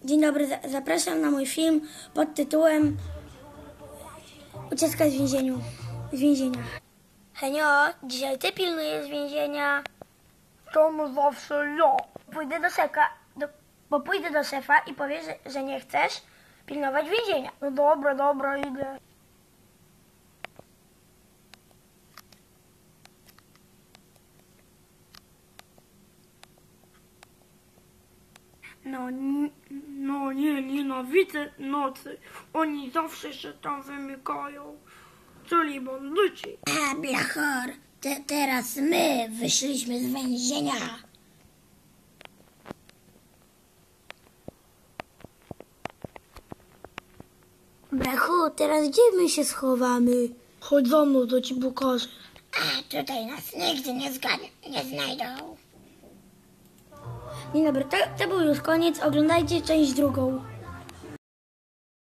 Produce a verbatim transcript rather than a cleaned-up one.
Dzień dobry, zapraszam na mój film pod tytułem Ucieczka z więzieniu, z więzienia. Henio, dzisiaj ty pilnujesz więzienia. Czemu zawsze ja? Pójdę do szefa, do, bo pójdę do szefa i powiesz, że, że nie chcesz pilnować więzienia. No dobra, dobra, idę. No, n- no nie, nienawidzę nocy. Oni zawsze się tam wymykają. Czyli bandyci. A, blachor, te, teraz my wyszliśmy z więzienia. Brachu, teraz gdzie my się schowamy? Chodź za mną, to ci pokażę. A, tutaj nas nigdy nie, zgadną, nie znajdą. Dzień dobry, to, to był już koniec. Oglądajcie część drugą.